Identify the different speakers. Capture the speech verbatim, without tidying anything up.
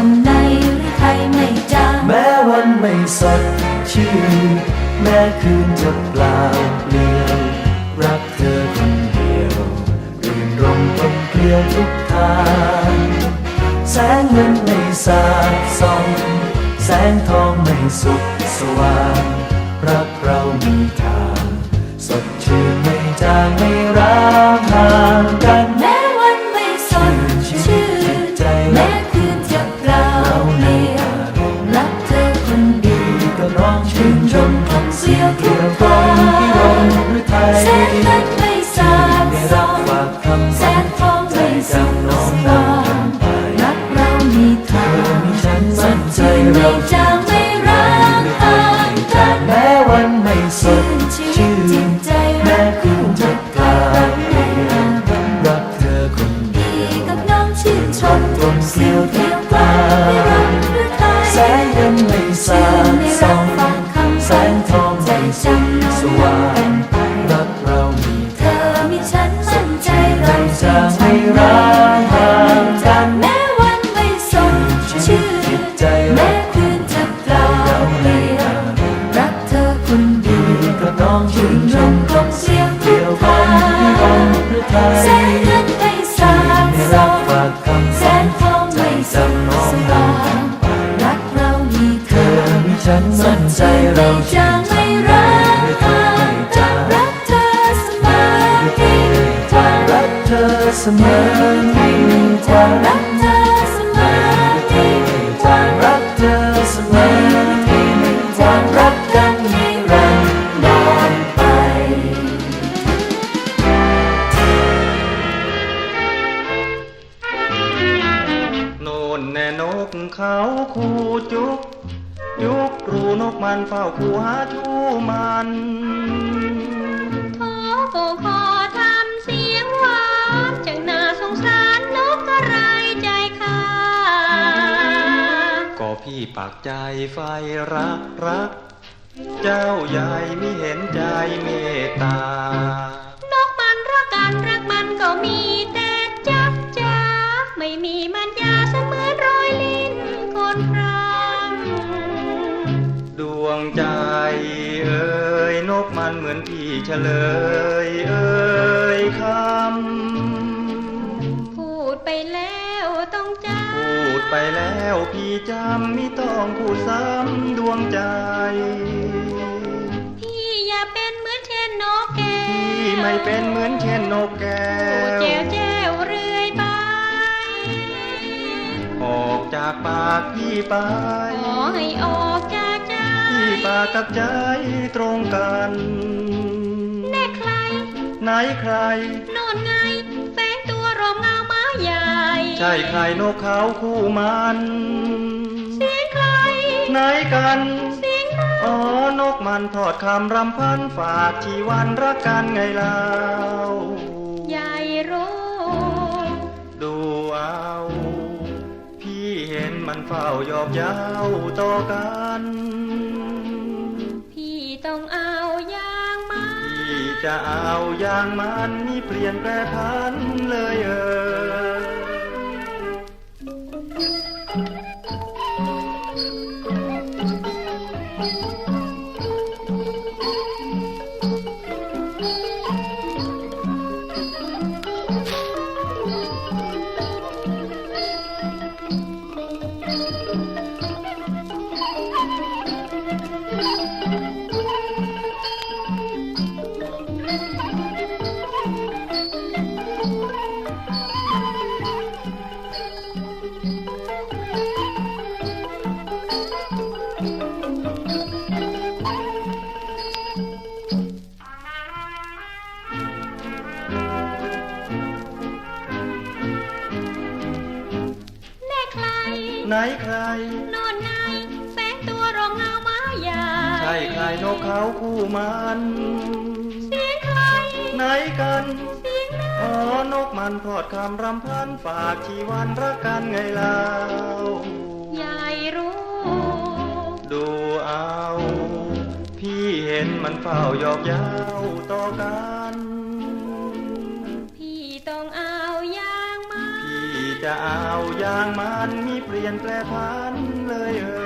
Speaker 1: วันไหนหรือไทยไม่จาง
Speaker 2: แม้วันไม่สดชื่นแม้คืนจะเปล่าเปลี่ยวรักเธอคนเดียวรื่นรมกลมเกลียวทุกทางแสงเงินไม่สาดส่องแสงทองไม่สุขสว่างรักเรามีทางสดชื่นไม่จางไม่ร้างห่างกัน
Speaker 1: แม้วันไม่สดชื่นแม้คืนจะเปล่าเปลี่ยวรักเธอคนเดียว
Speaker 2: ก็ร้องชื่นชมคำเสียงเกี่ยวกับที่รมหรือไทย
Speaker 1: แสงเงินไม่สาดส่องแสงทองไม่สุขสว่างรักเรามีทางสดชื่นไม่จางไม่ร้างห่างกัน
Speaker 2: แม้วันไม่สดชื่นแม้คืนจะกลางเปลี่ยวรักเธอคนเดียว
Speaker 1: กับน้องชื่นชม
Speaker 2: กลมเกลียวเที่ยวกลางแสงเงินไม่สาดส่องแสงทองไม่สุขสว่างรักเรามี
Speaker 1: เธอมีฉันมั่นใจเรา
Speaker 2: จะไม่ร้างห่างกัน
Speaker 1: แม้วันไม่สดชื่นแม้คืนจะเปล่าเปลี่ยวรักเธอคนเดียว
Speaker 2: กับน้องชื่นชม
Speaker 1: กลมเสียงทุกทางแสงเงินไม่สาดส่องแสงทองไม่สุขสว่างรักเรามีเธอ
Speaker 2: ฉันมั่นใจเรา
Speaker 1: จางไม่ร้างห่างกันรักเธอเสมอยิ่งกว่า
Speaker 2: รักเธอเสมอยิ่งกว่า
Speaker 1: รักเธอเสมอยิ่งกว่า
Speaker 2: รักเธอเสมอยิ่งกว่ารักกันนิรันดรไป
Speaker 3: โน่นแน่นกเขาคูจุกยุกรูนกมันเฝ้าคูหาชูมัน
Speaker 1: โทโกขอทำเสียงหวานจังน่าสงสารนกกระไรใจค่ะ
Speaker 3: ก็พี่ปากใจไฟรักรักเจ้าใหญ่ไม่เห็นใจเมตตาน
Speaker 1: กมันรักกันรักมันก็มีแต่จักจ้าไม่มีมันยาเสมือนรอยลิ้นคนพราง
Speaker 3: ดวงใจเอ่ยนกมันเหมือนพี่เฉลยเอ่ยค
Speaker 1: ำพูดไปแล้วต้องจำ
Speaker 3: พูดไปแล้วพี่จำไม่ต้องพูดซ้ำดวงใจ
Speaker 1: พี่อย่าเป็นเหมือนเช่นนกแก้ว
Speaker 3: พี่ไม่เป็นเหมือนเช่นนกแก้ว
Speaker 1: แจ้วแจ้วเรื่อยไป
Speaker 3: ออกจากปากพี่ไป
Speaker 1: ขอให้ออกจากใจ
Speaker 3: พี่ปากกับใจตรงกัน
Speaker 1: แน่ใคร
Speaker 3: ไหนใคร
Speaker 1: โน่นไงแฝงตัวรอมเงาไม้ใหญ่
Speaker 3: ใช่ใครนกเขาคู่มัน
Speaker 1: เสียงใคร
Speaker 3: ไหนกัน
Speaker 1: เสียง
Speaker 3: อ๋อนกมันทอดคำรำพันฝากชีวันรักกันไงเล่า
Speaker 1: ใหญ่รู้
Speaker 3: ดูเอาพี่เห็นมันเฝ้ายอบเย้าต่อกัน
Speaker 1: พี่ต้องเอาอย่างมัน
Speaker 3: พี่จะเอาอย่างมันนี่เปลี่ยนแปรพันเลยเออไหนใคร
Speaker 1: โน่นไงแฝงตัวรอมเงาไม้ใหญ่
Speaker 3: ใช่ใครนกเขาคู่มัน
Speaker 1: เสียงใคร
Speaker 3: ไหนกัน
Speaker 1: เสียง
Speaker 3: อ๋อนกมันพอดคำรำพันฝากชีวันรักกันไงเล่า
Speaker 1: ใหญ่รู้
Speaker 3: ดูเอาพี่เห็นมันเฝ้ายอกเย้าต่อกัน
Speaker 1: พี่ต้องเอาอย่างมัน
Speaker 3: พี่จะจะเอาอย่างมันมีเปลี่ยนแปรพันเลยเออ